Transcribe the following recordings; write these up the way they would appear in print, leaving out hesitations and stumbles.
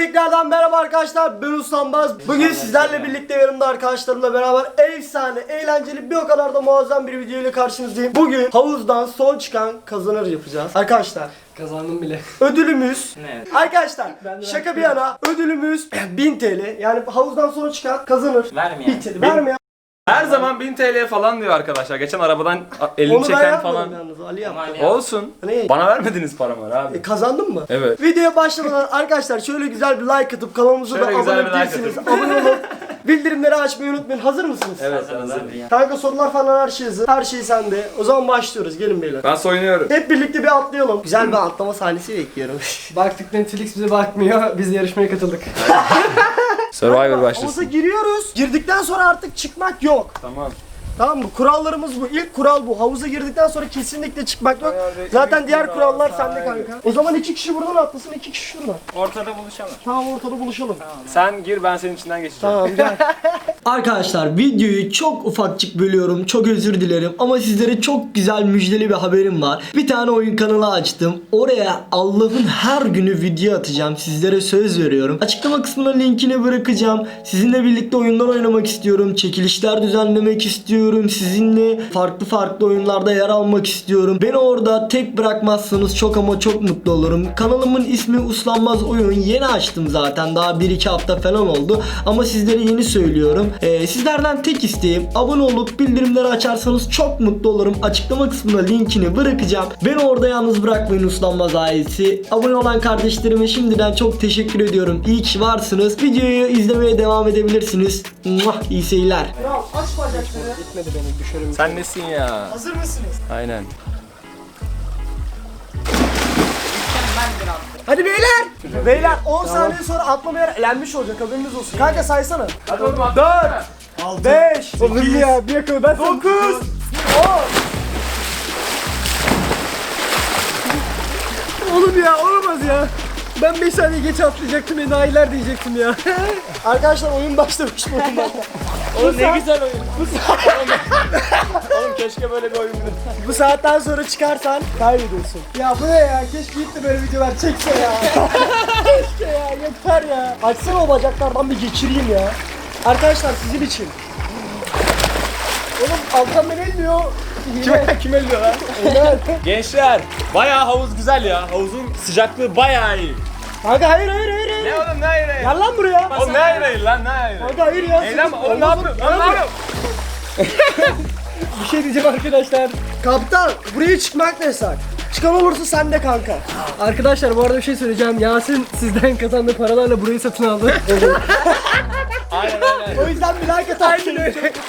Tekrardan merhaba arkadaşlar, ben Ustanbaz. Bugün sizlerle birlikte yanımda arkadaşlarımla beraber efsane, eğlenceli, bir o kadar da muazzam bir video ile karşınızdayım. Bugün havuzdan son çıkan kazanır yapacağız. Arkadaşlar kazandım bile. ödülümüz Ne? Arkadaşlar şaka bir yana ödülümüz 1000 TL. Yani havuzdan son çıkan kazanır. Vermeyen. 1000 TL. Vermeyen. Her zaman 1000 TL falan diyor arkadaşlar. Geçen arabadan elini Onu ben çeken yapmadım falan. yalnız, Ali yaptı. Olsun. Ne? Bana vermediniz paramı abi. Kazandın mı? Evet. Videoya başlamadan arkadaşlar şöyle güzel bir like atıp kanalımıza da Şöyle güzel abone bir like değilsiniz. atıp. Abone olun. Bildirimleri açmayı unutmayın. Hazır mısınız? Evet, Hazırız hazır. abi ya. Kanka sorular falan her şey hazır. Her şey sende. O zaman başlıyoruz. Gelin beyler. Ben soyunuyorum. Hep birlikte bir atlayalım. Güzel bir atlama sahnesi bekliyorum. Baktık Netflix bize bakmıyor. Biz yarışmaya katıldık. Survivor Havuza başlasın. giriyoruz. Girdikten sonra artık çıkmak yok. Tamam. Tamam mı? Kurallarımız bu. İlk kural bu. Havuza girdikten sonra kesinlikle çıkmak yok. Ayarda Zaten ilk diğer kural kurallar sahibi. sende kanka. O zaman 2 kişi buradan atlasın, 2 kişi şuradan. Ortada buluşalım. Tamam, ortada buluşalım. Sen gir, ben senin içinden geçeceğim. Tamam, gel. Arkadaşlar videoyu çok ufakçık bölüyorum. Çok özür dilerim ama sizlere çok güzel müjdeli bir haberim var. Bir tane oyun kanalı açtım. Oraya Allah'ın her günü video atacağım. Sizlere söz veriyorum. Açıklama kısmına linkini bırakacağım. Sizinle birlikte oyunlar oynamak istiyorum. Çekilişler düzenlemek istiyorum. Sizinle farklı oyunlarda yer almak istiyorum. Beni orada tek bırakmazsanız çok ama çok mutlu olurum. Kanalımın ismi Uslanmaz Oyun. Yeni açtım zaten. Daha 1-2 hafta falan oldu. Ama sizlere yeni söylüyorum. Sizlerden tek isteğim abone olup bildirimleri açarsanız çok mutlu olurum. Açıklama kısmına linkini bırakacağım. Beni orada yalnız bırakmayın Uslanmaz ailesi. Abone olan kardeşlerime şimdiden çok teşekkür ediyorum. İyi ki varsınız. Videoyu izlemeye devam edebilirsiniz. Muah, iyi seyirler. Kral aç bacakları. Gitmedi beni düşerim. Sen nesin ya? Hazır mısınız? Aynen. Hadi beyler. Beyler 10 saniye sonra atlama yer elenmiş olacak, haberiniz olsun. Kanka saysana. Hadi oğlum 4 5 Oğlum ya bir yakın ben 9 10. Oğlum ya olamaz ya. Ben 5 saniye geç atlayacaktım enayiler diyecektim ya. Arkadaşlar oyun başlamış bu oyunda. Oğlum ne güzel oyun. Oğlum keşke böyle bir oyun Bu saatten sonra çıkarsan kaybediyorsun. Ya bu ne ya? Keşke ilk de böyle videolar çekse ya. Keşke ya, yeter ya. Açsana o bacaklardan bir geçireyim ya. Arkadaşlar sizin için. Oğlum alttan beni elmiyor. Kim elliyor lan? Gençler, bayağı havuz güzel ya. Havuzun sıcaklığı bayağı iyi. Kanka hayır. Ne oğlum, ne ayrı? Gel lan buraya. Oğlum ne ayrı lan, ne ayrı? Kanka hayır ya. Eğlenme, oğlum ne yapıyorsun? Lan ne yapıyorsun? Bir şey diyeceğim arkadaşlar. Kaptan buraya çıkmak da yasak. Çıkan olursa sen de kanka. Arkadaşlar bu arada bir şey söyleyeceğim. Yasin sizden kazandığı paralarla burayı satın aldı. Aynen. O yüzden bir like atar. Şey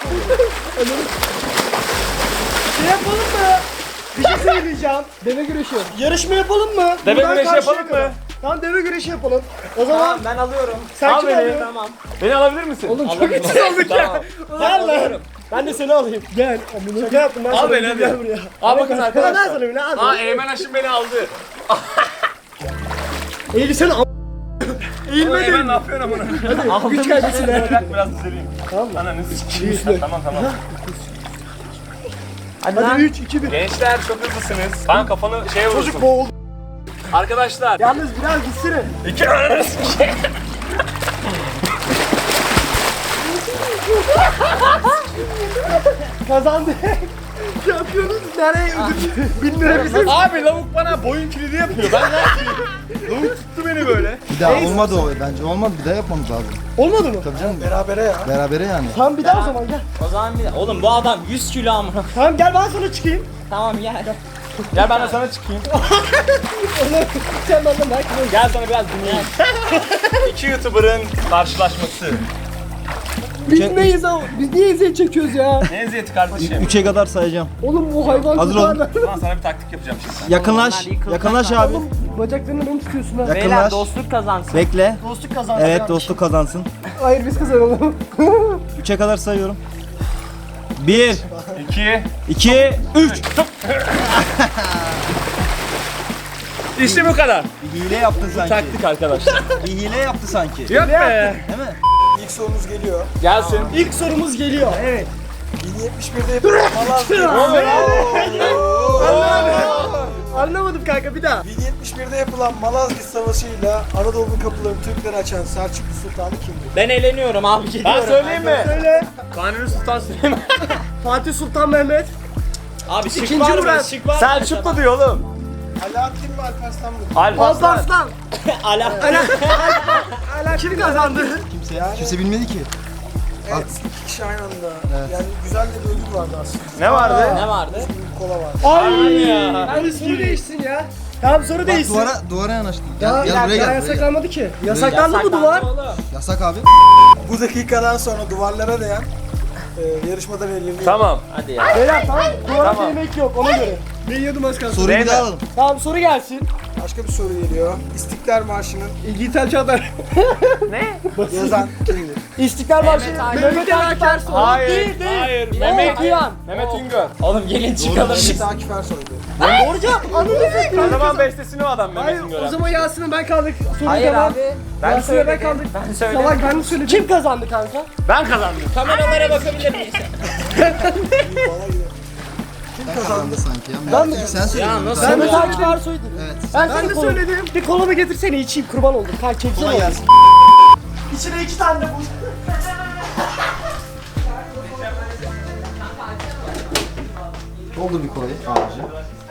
yapalım mı? Bir şey söyleyeceğim. Deve güreşi. Yarışma yapalım mı? Deve Buradan güreşi karşıya yapalım kadar. mı? Tamam, deve güreşi yapalım. O zaman Ben alıyorum. sen Al kim beni. alıyorsun? Tamam. Beni alabilir misin? Oğlum çok etkisiz olduk ya. Gel lan. Ben de seni alayım. Gel. Şaka yaptım ben. Al sana. beni hadi. Gel buraya. Al bakın Ben arkadaşlar. sana bile al. Aa, Eymen Aşım beni aldı. Eğil sen al. Oğlum Eymen ne yapıyorsun amına? Güç kaybetsin. Bırak biraz düzeleyim. Tamam mı? Ananı sikeyim. Tamam. Hadi 3 2 1. Gençler çok hızlısınız. Lan kafanı şeye Çocuk vurursun. boğuldu. Arkadaşlar. Yalnız biraz gitsene. İki ananı sikeyim. Kazandı. Şampiyonuz nereye ödül? 1000 lira bizim. Abi lavuk bana boyun kilidi yapıyor. Ben ne yapayım? Lavuk tuttu beni böyle. Bir daha olmadı o bence olmadı bir daha yapmamız lazım. Olmadı mı? Tabii canım Berabere ya. berabere yani. Tamam bir daha o zaman gel. O zaman bir oğlum bu adam 100 kilo amına. Tamam gel ben sana çıkayım. Tamam gel. Gel ben de sana çıkayım. Sen benden bak. Gel sana biraz dinleyelim. İki YouTuber'ın karşılaşması. Biz neyiz ama? Biz niye eziyet çekiyoruz ya? Ne eziyeti kardeşim? 3'e kadar sayacağım. Oğlum bu hayvan Hazır tutarlar. olun. Ulan sana bir taktik yapacağım şimdi. Yakınlaş. Yakınlaş abi. Oğlum bacaklarını beni tutuyorsun ha. Beyler Yakınlaş. dostluk kazansın. Bekle. Dostluk kazandı. Evet dostluk kazansın. Hayır biz kazanalım. 3'e kadar sayıyorum. 1 İki. 2 3 İşte bu kadar. Bir hile yaptın sanki. Taktik arkadaşlar. Bir hile yaptı sanki. Yok be. Değil mi? İlk sorumuz geliyor. Gelsin. İlk sorumuz geliyor. Evet. 1071'de yapalım. Anlamadım kanka, bir daha. 1071'de yapılan Malazgirt Savaşı'yla Anadolu'nun kapılarını Türklere açan Selçuklu Sultanı kimdir? Ben eğleniyorum abi. Ben Gidiyorum. söyleyeyim mi? Söyle. Kanuni Sultan Süleyman. Fatih Sultan Mehmet. Abi şık İkinci var mı? Murat. Şık var mı? Selçuklu diyor oğlum. Alaaddin mi Alparslan mı? Alparslan. Alparslan. Ala. Kim kazandı? Kimse bilmedi ki. Evet, iki kişi aynı anda. Yani güzel de bir ödül vardı aslında. Ne vardı? Ne vardı? Bir kola vardı. Ay ya. Hadi soru değişsin ya. Tamam, soru Bak değişsin. duvara yanaştın. Ya, Gel buraya ya gel. Buraya gel. yasaklanmadı ki. Yasaklandı mı duvar? Oğlum. Yasak abi. Bu dakikadan sonra duvarlara değen yarışmada veriliyor. Tamam. Hadi ya. Beyler tamam. Duvara Tamam. değmek yok, ona göre. Ben yiyordum az kalsın. Soruyu bir Zeynep. daha alalım. Tamam, soru gelsin. Başka bir soru geliyor. İstiklal Marşı'nın İlgitel Çağlar. yazan kimdir? İstiklal Marşı. Akif. Mehmet Akif Ersoy. Hayır. Değil, değil. Hayır. O Mehmet. okuyan. Mehmet Üngör. Oğlum gelin çıkalım. Mehmet Akif Ersoy'du. Doğru cevap. Anladın mı? Zaman bestesini o adam Mehmet Hayır, Üngör. o zaman Yasin'e ben kaldık. Soru Hayır devam. abi. Ben Yasin'e ben söyledim. kaldık. Ben söyledim. Salak, ben mi söyledim? Kim kazandı kanka? Ben kazandım. Kameralara bakabilir miyiz? Sen kazandı sanki ya. Ben mi? Sen söyledin. Ya nasıl? Mehmet Akif Ersoy'du. Evet. Ben de söyledim. Bir kolamı getirsene, içeyim, kurban oldum. Kanka çeksene. Kolay gelsin. İçine 2 tane de bu. Doldur bir kolayı abici.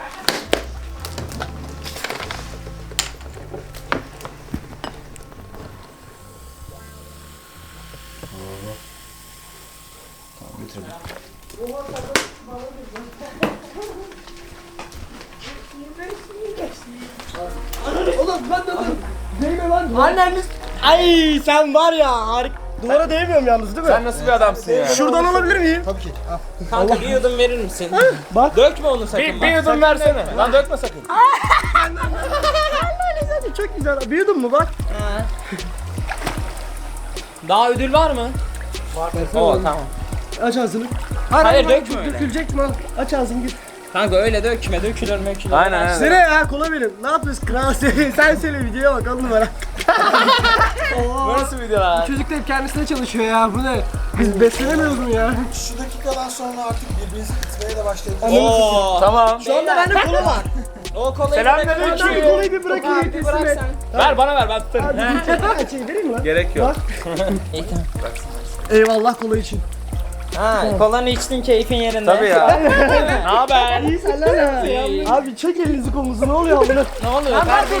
Tamam götürelim. Oğlum ben de değme lan. Annemiz. Ay sen var ya, harika. Duvara değmiyorum yalnız, değil mi? Sen nasıl bir adamsın ya? Şuradan alabilir miyim? Tabii ki. Al. Kanka bir yudum verir misin? Bak. Dökme onu sakın Bir bak. yudum versene. Lan dökme sakın. Çok güzel. Büyüdün mü bak? Daha ödül var mı? Var. Oo tamam. Aç ağzını. Hayır, dökme öyle. Dökülecek mi? Aç ağzını git. Kanka öyle dökme, dökülür mökülür. Aynen, aynen. Sene ya, kola verin. Ne yapıyorsun? Kral sen söyle, videoya bak, 10 numara. Bu nasıl video lan? Çocuk da hep kendisine çalışıyor ya. Bu ne? Biz beslenemiyoruz mu ya? Şu dakikadan sonra artık birbirinizi itmeye de başladınız. Oo. Tamam. Şu anda bende kola var. O kolayı Selamünaleyküm. Ben kolayı bir bırakayım. Bir bırak sen. Ver bana ver ben tutarım. Şey vereyim mi lan? Gerek yok. İyi, tamam. Eyvallah kola için. Ha, kolanı içtin, keyfin yerinde. Tabii ya. Ne haber? İyi senler ha. İyi. Abi çek elinizi kolunuzu, ne oluyor amına? Ne oluyor kardeşim?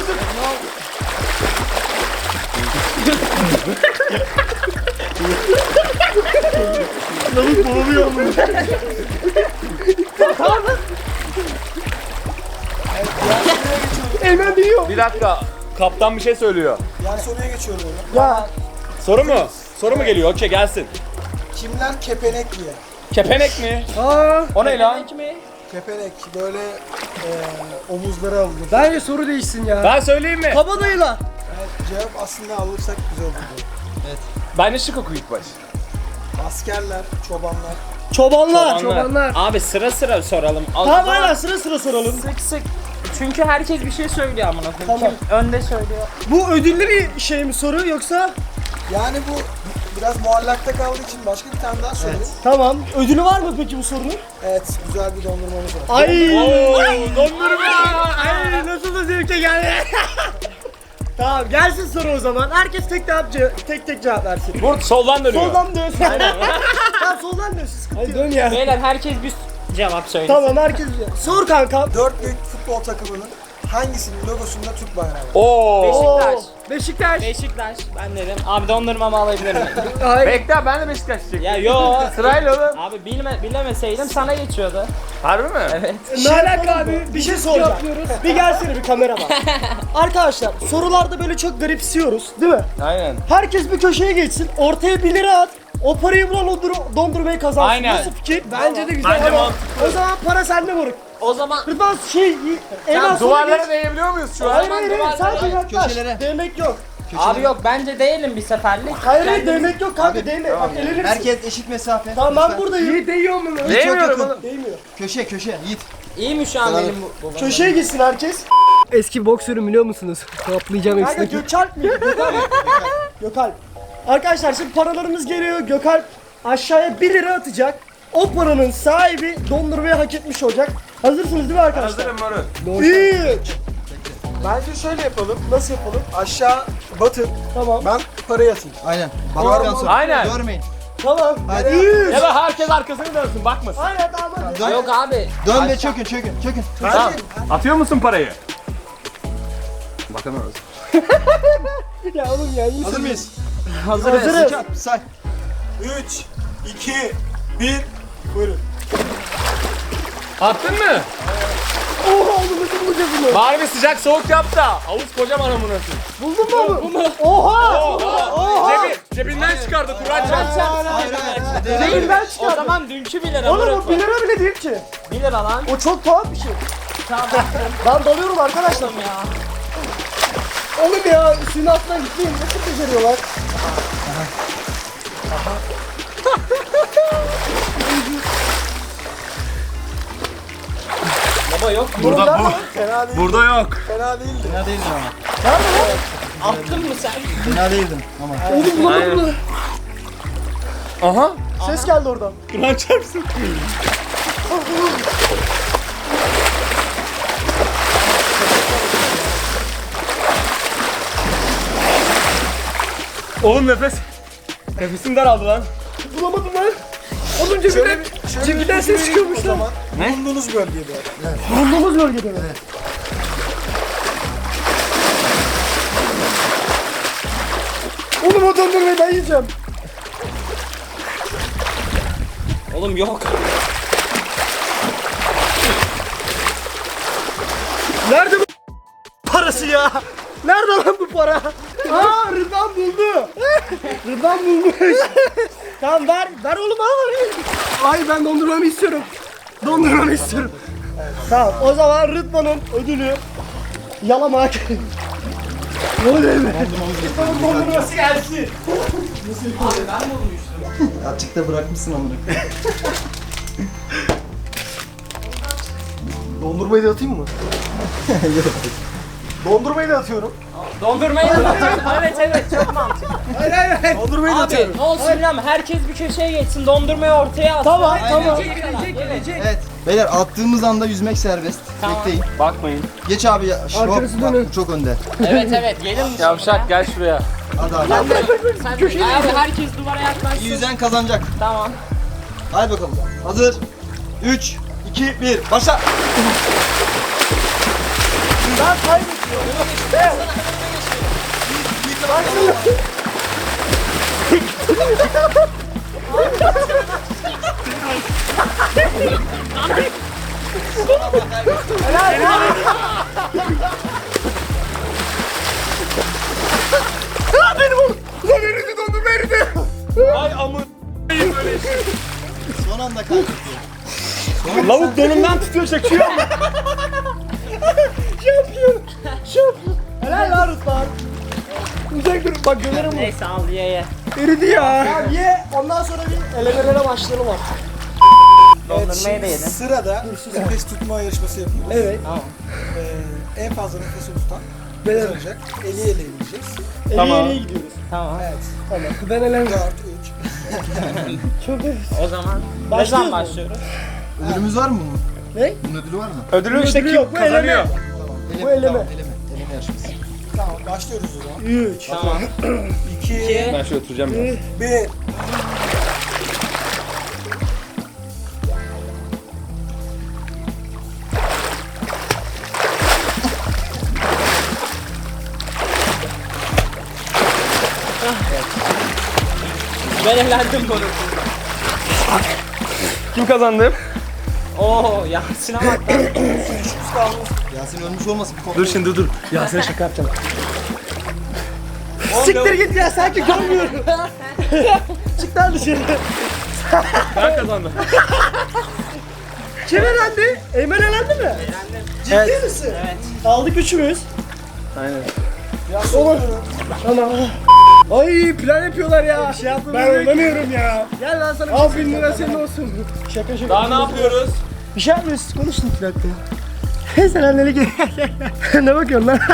Eymen biliyor. Bir dakika. Kaptan bir şey söylüyor. Yani soruya geçiyorum onu. Ya Soru mu? Soru mu geliyor? Okey gelsin. Kimler kepenek giyer? Kepenek mi? aa, O ne lan? Ekmek mi? Kepenek böyle omuzlara alınır. bence soru değişsin ya. Ben söyleyeyim mi? Kabadayılar. Evet, cevap aslında alırsak güzel olur. Bence şık oku ilk baş. Askerler, çobanlar. Çobanlar. Abi sıra sıra soralım. Tamam aynen, sıra sıra soralım. Sık sık. Çünkü herkes bir şey söylüyor amına koyayım. Tamam. Kim önde söylüyor. Bu ödüllü bir şey mi soru yoksa? Yani bu biraz muallakta kaldığı için başka bir tane daha söyleyeyim. Tamam. Ödülü var mı peki bu sorunun? Evet, güzel bir dondurmamız var. Ay. Oo, dondurma. Ay nasıl da zevke geldi. Tamam, gelsin soru o zaman. Herkes tek cevap versin. Vur soldan dönüyor. Soldan dönsün. Tamam, soldan dönsün. Sıkıntı yok. Dön ya. Beyler herkes bir cevap söylesin. Tamam, herkes sor kanka. 4 büyük futbol takımının hangisinin logosunda Türk bayrağı var? Oo. Beşiktaş. Beşiktaş. Beşiktaş. Ben dedim. Abi dondurmamı alabilir miyim? Hayır. Bekle ben de Beşiktaş çekeyim. Ya yo. Sırayla oğlum. Abi bilemeseydim sana geçiyordu. Harbi mi? Evet. Ne alaka abi? Bir şey soracağım. Bir gelsene, bir kamera var. Arkadaşlar, sorularda böyle çok garipsiyoruz, değil mi? Aynen. Herkes bir köşeye geçsin, ortaya 1 lira at. O parayı bulan o dondurmayı kazansın. Aynen. Nasıl fikir? Bence de güzel Bence ama mantıklı. o zaman para sende moruk. O zaman Rıdvan en az Duvarlara değebiliyor muyuz şu an? Hayır hayır hayır, duvarlara- sadece yaklaş. Köşelere. Değmek yok. abi yok bence değilim bir seferlik. Hayır hayır, Kendimiz- değmek yok kanka, değme. Bak elenirsin. Herkes eşit mesafe. Tamam, ben Lütfen. buradayım. Yiğit değiyor mu? Çok Değmiyorum yakın. oğlum. Değmiyor. Köşe Yiğit. İyi mi şu an Bravo. benim bu? Köşeye gitsin herkes. Eski boksörüm biliyor musunuz? Toplayacağım Kanka Gökalp miydi? Gökalp. Gökalp. Arkadaşlar şimdi paralarımız geliyor. Gökalp aşağıya 1 lira atacak. O paranın sahibi dondurmayı hak etmiş olacak. Hazırsınız değil mi arkadaşlar? Hazırım moruk. 3. Bence şöyle yapalım. Nasıl yapalım? Aşağı batın. Tamam. Ben parayı atayım. Aynen. Baktıktan sonra. Aynen. Görmeyin. Tamam. Hadi. 3. Ya da herkes arkasını dönsün bakmasın. Aynen tamam hadi. Dön, Yok abi. dön ve çökün çökün çökün. Tamam. Atıyor musun parayı? Bakamıyoruz. Ya oğlum ya iyisin. Hazır mıyız? Hazırız. Say. 3, 2, 1. Buyurun. Attın mı? Oha oğlum nasıl bulacağız bunu? Bari bir sıcak soğuk yap da. Havuz kocaman amına koyayım. Buldun mu bunu? Oha! Cebinden çıkardı Kur'an çarpsın. Hayır hayır. Elimden O çıkardım. zaman dünkü 1 lira Oğlum o moruk. 1 lira bile değil ki. 1 lira lan. O çok tuhaf bir şey. Tamam. Ben dalıyorum arkadaşlar. ya. Oğlum ya suyun altından gitmeyin. Nasıl beceriyorlar? Baba yok. Burada bu. Fena değil. Burada yok. Fena değildi. Fena değildin ama. Attın mı sen? Fena değildin ama. Oğlum bulamadım mı? Aha. Ses geldi oradan. Kur'an çarpsın. Oğlum nefesim daraldı lan. Bulamadım lan. Oğlum Şöyle cebinden bir ses çıkıyormuş o lan. zaman. Bulunduğunuz bölgede. Bulunduğumuz bölgede mi? Oğlum o dondurmayı ben yiyeceğim. Oğlum yok. Nerede bu parası ya? Nerede lan bu para? Aa Rıdvan buldu. Rıdvan bulmuş. Tamam ver oğlum al. Ay ben dondurmamı istiyorum. Dondurmamı istiyorum. Tamam o zaman Rıdvan'ın ödülü yalamak. Ne oluyor be? Rıdvan'ın dondurması gelsin. Açıkta bırakmışsın amına. Dondurmayı da atayım mı? Dondurmayı da atıyorum. Dondurmayı da atıyorsun. Evet çok mantıklı. Dondurmayı da Abi atıyorum. ne olsun bilmem herkes bir köşeye geçsin dondurmayı ortaya atsın. Tamam tamam. Gelecek. Evet. Beyler attığımız anda yüzmek serbest. Tamam. Bekleyin. Bakmayın. Geç abi ya. Arkası Bak, dönün. çok önde. Evet gelin. Yavşak gel şuraya. Hadi abi. Sen abi herkes duvara yaklaşsın. Yüzen kazanacak. Tamam. Hadi bakalım. Hazır. 3, 2, 1. Başla. Ben kaybediyorum. Ay amın. Son anda kaybetti. Lavuk donumdan tutuyor çekiyor. Şampiyon. Helal lan Rıdvan. Uzak dur bak gömerim bunu. Neyse al ye. Eridi ya. Tamam ye ondan sonra bir elemelere başlayalım artık. Dondurmayı da yedin. Sırada nefes tutma yarışması yapıyoruz. Evet. En fazla nefesini tutan Ben kazanacak. Eli ele ineceğiz. Tamam. Eliye gidiyoruz. Tamam. Evet. Tamam. Ben elem. 4, 3. Çok O zaman ne Başlıyoruz zaman mu? başlıyoruz? Ödülümüz var mı bunun? Ne? Bunun ödülü var mı? Ödülü işte Ödülü kim yok, bu kazanıyor? eleme. Bu eleme. Tamam, eleme. Eleme yarışması. Tamam başlıyoruz o zaman. 3. Tamam. 2, Ben şöyle oturacağım ya. 1. Ben eğlendim bunu. Kim kazandı? Oo Yasin'e bak lan. Yasin ölmüş olmasın bir kontrol. Dur şimdi dur. Ya sen şaka yapacağım. Siktir git ya sanki görmüyorum. Çık lan dışarı. Ben kazandım. Kim elendi? Eymen elendi mi? Eğlendim. Ciddi misin? Evet. Aldık üçümüz. Aynen. Olur. Tamam. Ay plan yapıyorlar ya. Bir şey ben oynamıyorum ya. Gel lan sana. Al 1000 lira senin olsun. Şaka şaka. Daha ne yapıyoruz? Bir şey yapmıyoruz. Konuşun 2 dakika. Sen annene gel. Ne bakıyorsun lan?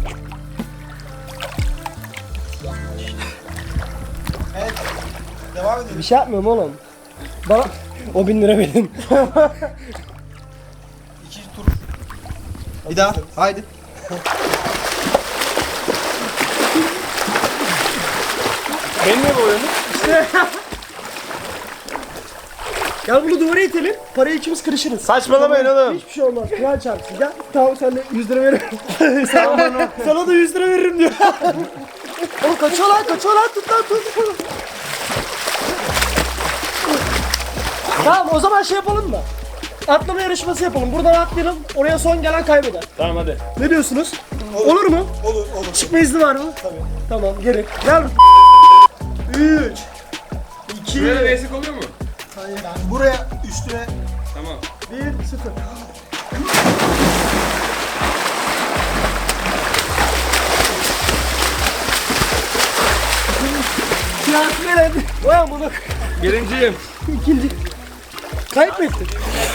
Devam edelim. Bir şey yapmıyorum oğlum. Bana o 1000 lira benim. Bir daha. Haydi. Benim mi bu oyunu? Gel bunu duvara itelim. Parayı ikimiz kırışırız. Saçmalamayın oğlum. Hiçbir şey olmaz. Kral çarpsın. Gel. Tamam sen de 100 lira veririm. Sana da 100 lira veririm diyor. Oğlum kaçıyor lan tut lan tut. Tamam o zaman şey yapalım mı? Atlama yarışması yapalım. Buradan atlayalım. Oraya son gelen kaybeder. Tamam hadi. Ne diyorsunuz? Olur mu? Olur. Çıkma izni var mı? Tabii. Tamam geri. Gel. 3 2 Böyle destek oluyor mu? Buraya üstüne Tamam. 1 0. Siyasi veren. Ulan bunu Birinciyim. ikinci. Kayıp mı ettin?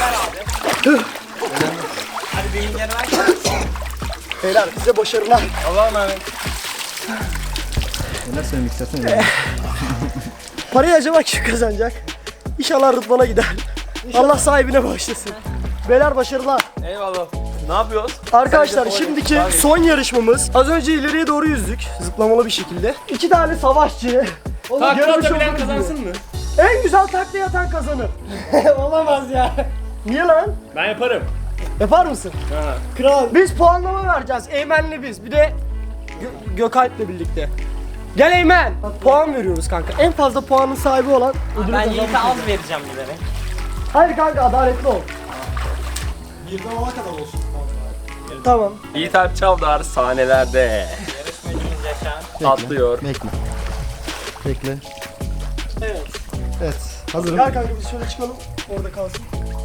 Hadi benim yerime Beyler size başarılar. Allah'a emanet. Neler söylemek istersen Parayı acaba kim kazanacak? İnşallah Rıdvan'a gider. Allah sahibine bağışlasın. Beyler başarılar. Eyvallah. Ne yapıyoruz? Arkadaşlar şimdiki son yarışmamız. Az önce ileriye doğru yüzdük. Zıplamalı bir şekilde. 2 tane savaşçı. Takla yarış atabilen oldu kazansın mı? En güzel takla atan kazanır. Olamaz ya. Niye lan? Ben yaparım. Yapar mısın? Ha. Kral. Biz puanlama vereceğiz. Eymen'le biz. Bir de Gökalp'le birlikte. Gel Eymen. Puan veriyoruz kanka. En fazla puanın sahibi olan ödülü Ben kazanmış Yiğit'e olur. az vereceğim bilerek. Hayır kanka adaletli ol. birden ona kadar olsun. Tamam. Yiğit Alp Çavdar sahnelerde Yarışmacımız Yaşar. atlıyor. Bekle. Bekle. Evet. Evet. Hazırım. Gel kanka biz şöyle çıkalım. Orada kalsın.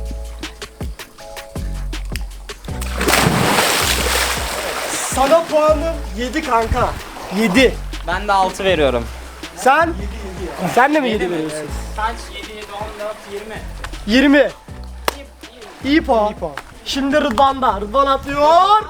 Sana puanım 7 kanka. 7. Ben de 6 veriyorum. Sen? Sen de mi 7 veriyorsun? Kaç? 7, 7, 14, 20. 20. İyi puan. Şimdi Rıdvan'da. Rıdvan atlıyor.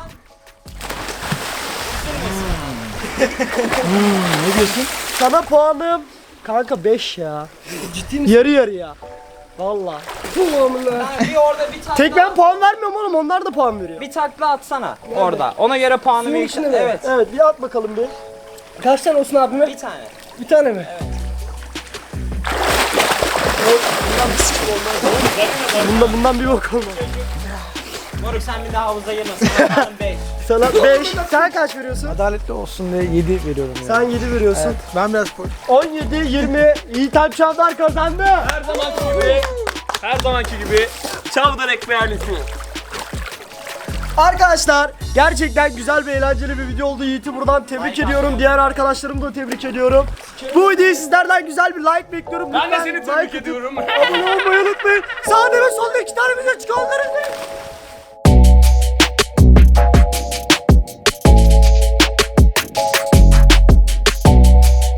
Ne diyorsun? Sana puanım kanka 5 ya. Ciddi misin? Yarı yarıya. Valla. Bir orada bir takla. Tek ben puan vermiyorum oğlum. Onlar da puan veriyor. Bir takla atsana orada. Ona göre puanımı Suyun yüksek. içine mi? Evet. Evet bir at bakalım bir. Kaç tane olsun abime? Bir tane. Bir tane mi? Evet. Bundan bir bok olmaz. Moruk sen bir daha havuza girme. Sana puanım 5. Sana 5. Sen kaç veriyorsun? Adaletli olsun diye 7 veriyorum ya. Sen 7 veriyorsun. Ben biraz 17 20 Yiğit Alp Çavdar kazandı. Her zamanki gibi Çavdar ekmeği ailesi. Arkadaşlar gerçekten güzel ve eğlenceli bir video oldu. Yiğit'i buradan tebrik ediyorum. Diğer arkadaşlarımı da tebrik ediyorum. Bu videoyu sizlerden güzel bir like bekliyorum. Ben de Lütfen seni like tebrik atıp ediyorum. abone olmayı unutmayın. Sağda ve solda 2 tane video çıkıyor.